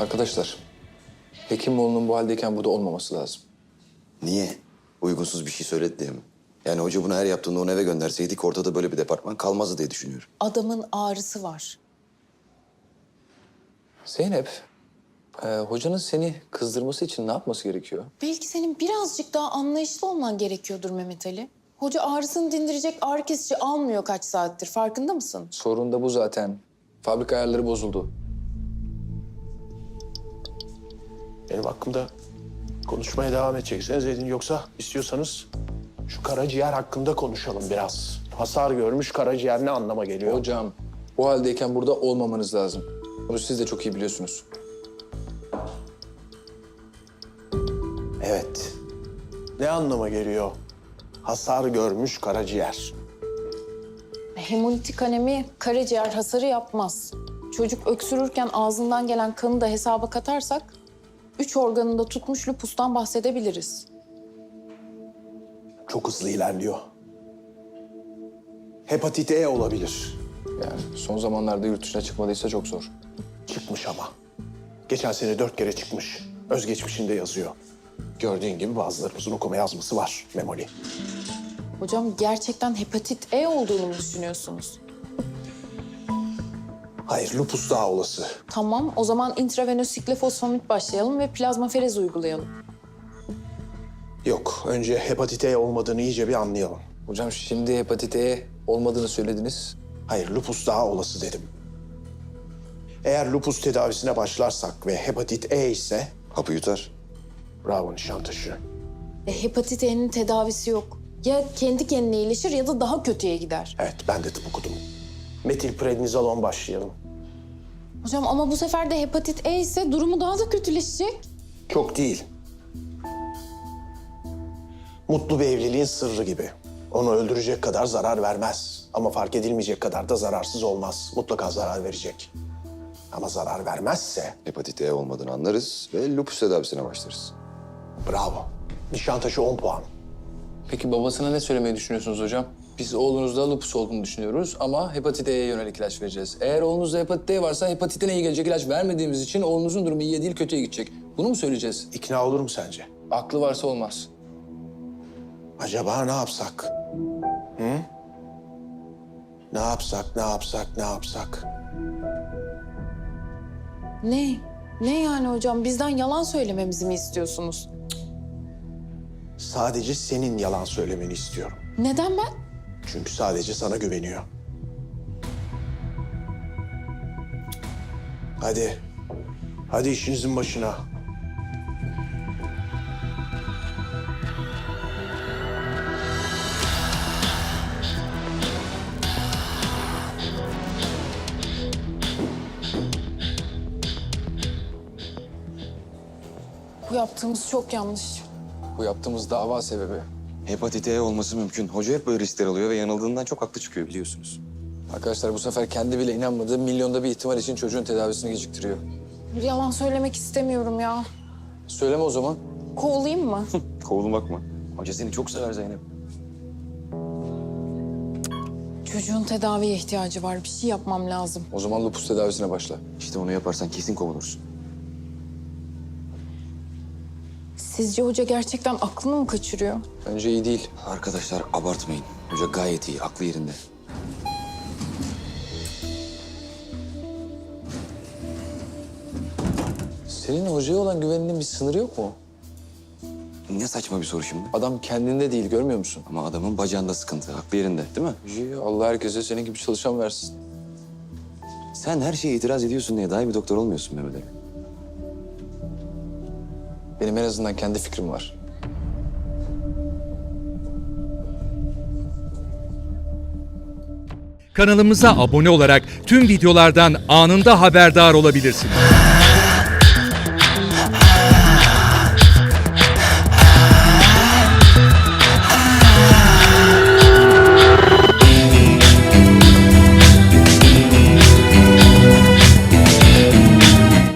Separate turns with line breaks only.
Arkadaşlar, Hekimoğlu'nun bu haldeyken burada olmaması lazım.
Niye? Uygunsuz bir şey söyledi diye mi? Yani hoca bunu her yaptığında onu eve gönderseydik ortada böyle bir departman kalmazdı diye düşünüyorum.
Adamın ağrısı var.
Zeynep, hocanın seni kızdırması için ne yapması gerekiyor?
Belki senin birazcık daha anlayışlı olman gerekiyordur Mehmet Ali. Hoca ağrısını dindirecek ağrı kesici almıyor kaç saattir. Farkında mısın?
Sorun da bu zaten. Fabrika ayarları bozuldu.
Benim hakkımda konuşmaya devam edeceksiniz edin. Yoksa istiyorsanız şu karaciğer hakkında konuşalım biraz. Hasar görmüş karaciğer ne anlama geliyor?
Hocam, bu haldeyken burada olmamanız lazım. Bunu siz de çok iyi biliyorsunuz.
Evet. Ne anlama geliyor? Hasar görmüş karaciğer.
Hemolitik anemi karaciğer hasarı yapmaz. Çocuk öksürürken ağzından gelen kanı da hesaba katarsak 3 organında tutmuş lupustan bahsedebiliriz.
Çok hızlı ilerliyor. Hepatit E olabilir.
Yani son zamanlarda yurt dışına çıkmadıysa çok zor.
Çıkmış ama. Geçen sene 4 kere çıkmış. Özgeçmişinde yazıyor. Gördüğün gibi bazılarımızın okuma yazması var Memoli.
Hocam gerçekten hepatit E olduğunu mu düşünüyorsunuz?
Hayır, lupus daha olası.
Tamam, o zaman intravenöz siklefosfamid başlayalım ve plazmaferez uygulayalım.
Yok, önce hepatit E olmadığını iyice bir anlayalım.
Hocam şimdi hepatit E olmadığını söylediniz.
Hayır, lupus daha olası dedim. Eğer lupus tedavisine başlarsak ve hepatit E ise...
Hapı yutar.
Bravo Nişantaşı.
Hepatit E'nin tedavisi yok. Ya kendi kendine iyileşir ya da daha kötüye gider.
Evet, ben de tıp okudum. Metilprednizolon başlayalım.
Hocam ama bu sefer de hepatit E ise durumu daha da kötüleşecek.
Çok değil. Mutlu bir evliliğin sırrı gibi. Onu öldürecek kadar zarar vermez. Ama fark edilmeyecek kadar da zararsız olmaz. Mutlaka zarar verecek. Ama zarar vermezse
Hepatit E olmadığını anlarız ve lupus tedavisine başlarız.
bravo. Nişantaşı 10 puan.
Peki babasına ne söylemeyi düşünüyorsunuz hocam? Biz oğlunuzda lupus olduğunu düşünüyoruz ama hepatit E'ye yönelik ilaç vereceğiz. Eğer oğlunuzda hepatit E varsa hepatiten E'ye gelecek ilaç vermediğimiz için oğlunuzun durumu iyiye değil kötüye gidecek. Bunu mu söyleyeceğiz?
İkna olur mu sence?
Aklı varsa olmaz.
Acaba ne yapsak? Hı? Ne yapsak, ne yapsak, ne yapsak?
Ne? Ne yani hocam? Bizden yalan söylememizi mi istiyorsunuz?
Sadece senin yalan söylemeni istiyorum.
Neden ben?
Çünkü sadece sana güveniyor. Hadi. Hadi işinizin başına.
Bu yaptığımız çok yanlış.
Bu yaptığımız dava sebebi.
Hepatit E olması mümkün. Hoca hep böyle riskler alıyor ve yanıldığından çok haklı çıkıyor biliyorsunuz.
Arkadaşlar bu sefer kendi bile inanmadığı milyonda bir ihtimal için çocuğun tedavisini geciktiriyor.
Yalan söylemek istemiyorum ya.
Söyleme o zaman.
Kovulayım mı?
Kovulmak mı? Hoca seni çok sever Zeynep.
Çocuğun tedaviye ihtiyacı var. Bir şey yapmam lazım.
O zaman lupus tedavisine başla.
İşte onu yaparsan kesin kovulursun.
Sizce hoca gerçekten aklını mı kaçırıyor?
Bence iyi değil.
Arkadaşlar abartmayın. Hoca gayet iyi, aklı yerinde.
Senin hocaya olan güveninin bir sınırı yok mu?
Ne saçma bir soru şimdi.
Adam kendinde değil, görmüyor musun?
Ama adamın bacağında sıkıntı, aklı yerinde değil mi?
İyi, Allah herkese senin gibi çalışan versin.
Sen her şeye itiraz ediyorsun diye daha iyi bir doktor olmuyorsun Mehmet Ali.
Benim en azından kendi fikrim var.
Kanalımıza abone olarak tüm videolardan anında haberdar olabilirsiniz.